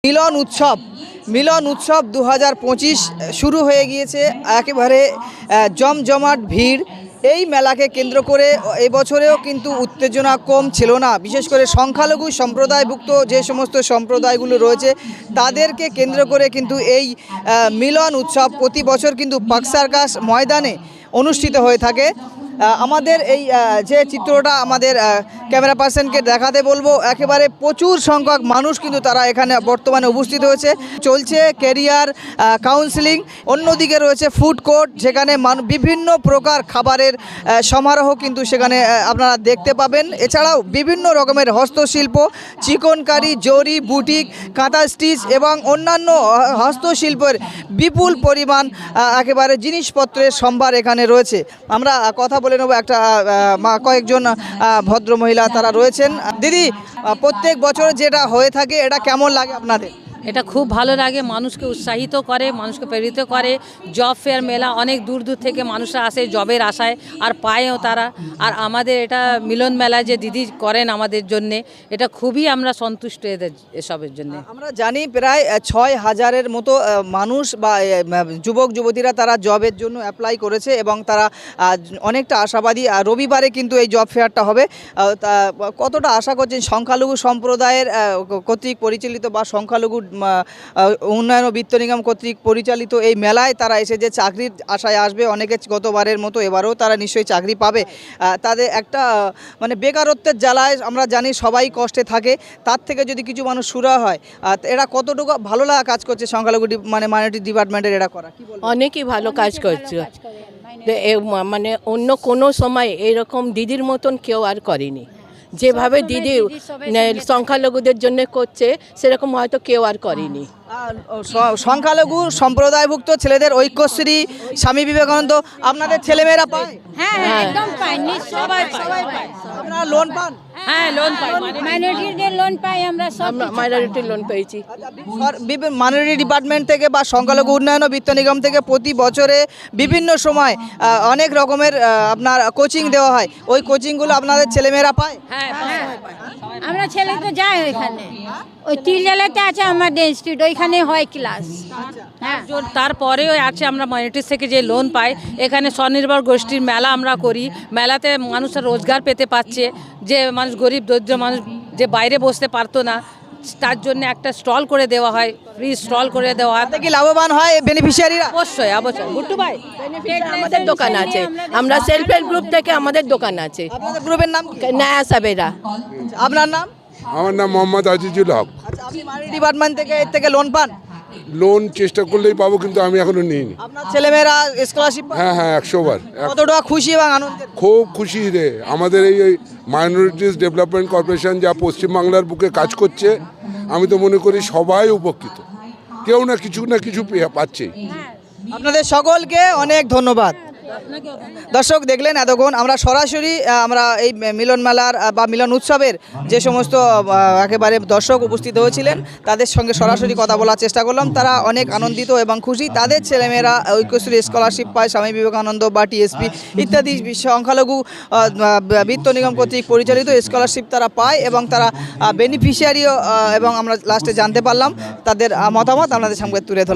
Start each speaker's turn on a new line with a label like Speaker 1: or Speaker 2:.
Speaker 1: মিলন উৎসব 2025 শুরু হয়ে গিয়েছে। একেবারে জমজমাট ভিড়। এই মেলাকে কেন্দ্র করে এবছরেও কিন্তু উত্তেজনা কম ছিল না। বিশেষ করে সংখ্যালঘু সম্প্রদায়ভুক্ত যে সমস্ত সম্প্রদায়গুলো রয়েছে তাদেরকে কেন্দ্র করে কিন্তু এই মিলন উৎসব প্রতি বছর কিন্তু পার্ক সার্কাস ময়দানে অনুষ্ঠিত হয়ে থাকে। আমাদের এই যে চিত্রটা আমাদের ক্যামেরা পার্সনকে দেখাতে বলবো, একেবারে প্রচুর সংখ্যক মানুষ কিন্তু তারা এখানে বর্তমানে উপস্থিত হয়েছে। চলছে ক্যারিয়ার কাউন্সিলিং, অন্যদিকে রয়েছে ফুড কোর্ট, যেখানে বিভিন্ন প্রকার খাবারের সমারোহ কিন্তু সেখানে আপনারা দেখতে পাবেন। এছাড়াও বিভিন্ন রকমের হস্তশিল্প, চিকনকারি, জরি, বুটিক, কাঁথা স্টিচ এবং অন্যান্য হস্তশিল্পের বিপুল পরিমাণ একেবারে জিনিসপত্রের সম্ভার এখানে রয়েছে। আমরা কথা বলে নেব একটা কয়েকজন ভদ্র মহিলা তারা রয়েছেন। দিদি, প্রত্যেক বছর যেটা হয়ে থাকে এটা কেমন লাগে আপনাদের?
Speaker 2: এটা খুব ভালো লাগে, মানুষকে উৎসাহিত করে, মানুষকে প্রেরিত করে। জব ফেয়ার মেলা, অনেক দূর দূর থেকে মানুষরা আসে জবের আশায়, আর পায়ও তারা। আর আমাদের এটা মিলন মেলা যে দিদি করেন আমাদের জন্যে, এটা খুবই আমরা সন্তুষ্ট এদের এসবের জন্য।
Speaker 1: আমরা জানি প্রায় 6,000-এর মতো মানুষ বা যুবক যুবতীরা তারা জবের জন্য অ্যাপ্লাই করেছে এবং তারা অনেকটা আশাবাদী। রবিবারে কিন্তু এই জব ফেয়ারটা হবে। কতটা আশা করছেন সংখ্যালঘু সম্প্রদায়ের কর্তৃক পরিচালিত বা সংখ্যালঘু উন্নয়ন ও বিত্ত নিগম কর্তৃক পরিচালিত এই মেলায় তারা এসে যে চাকরির আশায় আসবে, অনেকে গতবারের মতো এবারেও তারা নিশ্চয়ই চাকরি পাবে। তাদের একটা মানে বেকারত্বের জ্বালায় আমরা জানি সবাই কষ্টে থাকে, তার থেকে যদি কিছু মানুষ সুরা হয়, এরা কতটুকু ভালো লাগা কাজ করছে সংখ্যালঘু মানে মাইনরিটি ডিপার্টমেন্টের এরা করা কি বলবো?
Speaker 3: অনেকই ভালো কাজ করছে। মানে অন্য কোনো সময় এরকম দিদির মতন কেউ আর করেনি। যেভাবে দিদি সংখ্যালঘুদের জন্য করছে সেরকম হয়তো কেউ আর করেনি।
Speaker 1: সংখ্যালঘু সম্প্রদায়ভুক্ত ছেলেদের ঐক্যশ্রী, স্বামী বিবেকানন্দ আপনাদের ছেলেমেয়েরা পায়?
Speaker 4: হ্যাঁ, একদম পাই, সবাই পায়।
Speaker 1: আপনারা লোন পান?
Speaker 2: হ্যাঁ, লোন পাই,
Speaker 4: মাইনরিটিদের লোন পাই আমরা, সব
Speaker 3: মাইনরিটির লোন পেয়েছি।
Speaker 1: মাইনরিটি ডিপার্টমেন্ট থেকে বা সংখ্যালঘু উন্নয়ন ও বিত্ত নিগম থেকে প্রতি বছরে বিভিন্ন সময় অনেক রকমের আপনার কোচিং দেওয়া হয়। ওই কোচিংগুলো আপনাদের ছেলেমেয়েরা পায়?
Speaker 2: হ্যাঁ,
Speaker 4: আমরা ছেলে তো যাই ওইখানে, ওই তিলজালাতে আছে আমাদের ইনস্টিটিউট, ওইখানে হয় ক্লাস। হ্যাঁ,
Speaker 2: তারপরেও আছে আমরা মাইনরিটিস থেকে যে লোন পাই। এখানে স্বনির্ভর গোষ্ঠীর মেলা আমরা করি। মেলাতে মানুষের রোজগার পেতে পারছে। যে মানুষ গরিব দরিদ্র মানুষ যে বাইরে বসতে পারতো না, তার জন্য একটা স্টল করে দেওয়া হয়, ফ্রি স্টল করে দেওয়া হয়।
Speaker 1: কি লাভবান হয় বেনিফিশিয়ারিরা?
Speaker 2: অবশ্যই অবশ্যই। গুড্ডু ভাই,
Speaker 3: আমাদের দোকান আছে, আমরা সেলফ হেল্প গ্রুপ থেকে আমাদের দোকান আছে।
Speaker 1: আপনাদের গ্রুপের নাম কি?
Speaker 3: নয়া সাবেরা।
Speaker 1: আপনার নাম?
Speaker 5: আমার নাম মোহাম্মদ আজিজুল হক।
Speaker 1: আচ্ছা, আপনি মাইনরিটি ডিপার্টমেন্ট থেকে এর থেকে লোন পান?
Speaker 5: লোন চেষ্টা করলেই পাবো, কিন্তু আমি এখনো নিইনি।
Speaker 1: আপনার ছেলেমেয়েরা স্কলারশিপ পায়?
Speaker 5: হ্যাঁ হ্যাঁ, 100 বার।
Speaker 1: কতটা খুশি এবং আনন্দের?
Speaker 5: খুব খুশি রে। আমাদের এই মাইনরিটিস ডেভেলপমেন্ট কর্পোরেশন যা পশ্চিমবাংলার বুকে কাজ করছে, আমি তো মনে করি সবাই উপকৃত, কেউ না কিছু পাচ্ছেই।
Speaker 1: আপনাদের সকলকে অনেক ধন্যবাদ। দর্শক, দেখলেন এতক্ষণ আমরা সরাসরি আমরা এই মিলন মেলার বা মিলন উৎসবের যে সমস্ত একেবারে দর্শক উপস্থিত হয়েছিলেন তাদের সঙ্গে সরাসরি কথা বলার চেষ্টা করলাম। তারা অনেক আনন্দিত এবং খুশি। তাদের ছেলেমেয়েরা ঐক্যশ্রী স্কলারশিপ পায়, স্বামী বিবেকানন্দ বা টিএসপি ইত্যাদি সংখ্যালঘু বিত্ত নিগম কর্তৃক পরিচালিত স্কলারশিপ তারা পায় এবং তারা বেনিফিশিয়ারিও, এবং আমরা লাস্টে জানতে পারলাম তাদের মতামত আপনাদের সামনে তুলে ধরলাম।